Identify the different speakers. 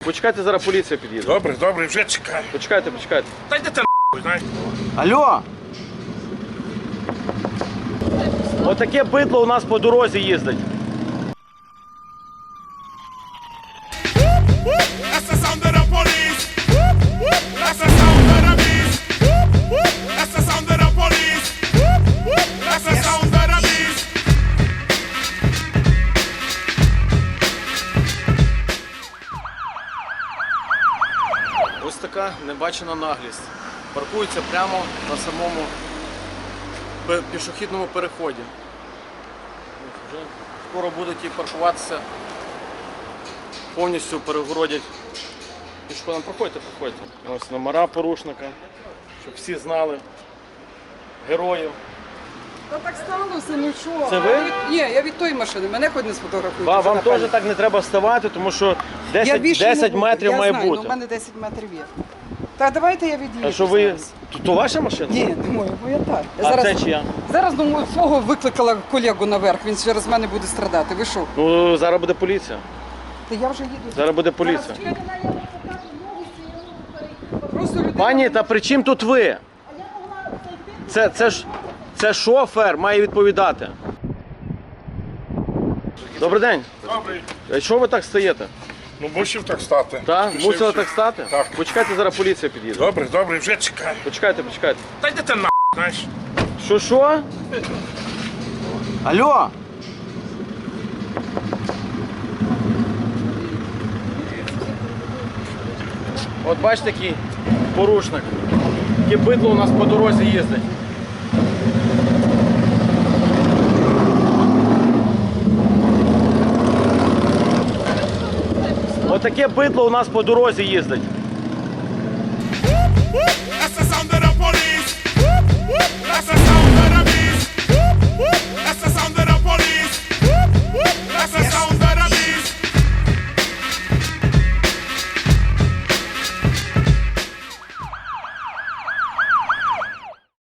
Speaker 1: Почекайте, зараз поліція під'їде.
Speaker 2: Добре, добре, вже чекаю.
Speaker 1: Почекайте.
Speaker 2: Та йди ти нахуй, знаєш.
Speaker 1: Алло! Отаке бидло у нас по дорозі їздить.
Speaker 2: That's the sound of the police. That's the sound of the beast. That's the sound of the police. That's the sound of the beast.
Speaker 1: Ось така небачена наглість. Паркується прямо на самому пішохідному переході. Вже скоро будуть і паркуватися, повністю перегородять пішоходам. Проходьте. Ось номера порушника, щоб всі знали. Героїв.
Speaker 3: Та так сталося, ну що?
Speaker 1: Це ви?
Speaker 3: Ні, я від тої машини, мене хоч не сфотографують.
Speaker 1: Вам теж так не треба ставати, тому що
Speaker 3: Я
Speaker 1: 10
Speaker 3: більше не буду.
Speaker 1: метрів
Speaker 3: я
Speaker 1: має
Speaker 3: знаю,
Speaker 1: бути.
Speaker 3: Ну, у мене 10 метрів є. Так, давайте я від'їду.
Speaker 1: А що ви...
Speaker 3: зараз.
Speaker 1: То ваша машина?
Speaker 3: Ні, не моя, моя так. Я
Speaker 1: А
Speaker 3: зараз,
Speaker 1: це чия?
Speaker 3: Зараз ну, свого викликала колегу наверх, він через мене буде страдати. Ви що?
Speaker 1: Ну, зараз буде поліція.
Speaker 3: Та я вже їду.
Speaker 1: Зараз буде поліція.
Speaker 3: Просто людина...
Speaker 1: Пані, та при чим тут ви? Це шофер має відповідати. Добрий день.
Speaker 2: Добре.
Speaker 1: А що ви так стоїте?
Speaker 2: Ну, мусив так стати.
Speaker 1: Так?
Speaker 2: Пішли
Speaker 1: Мусили
Speaker 2: всі.
Speaker 1: так стати?
Speaker 2: Так.
Speaker 1: Почекайте, зараз поліція під'їде.
Speaker 2: Добре, добре, вже чекаю.
Speaker 1: Почекайте.
Speaker 2: Та йди ти нахуй, знаєш.
Speaker 1: Що? Алло! От бачите, який порушник. Яке бидло у нас по дорозі їздить. Отаке бидло у нас по дорозі їздить.
Speaker 2: That's the sound of the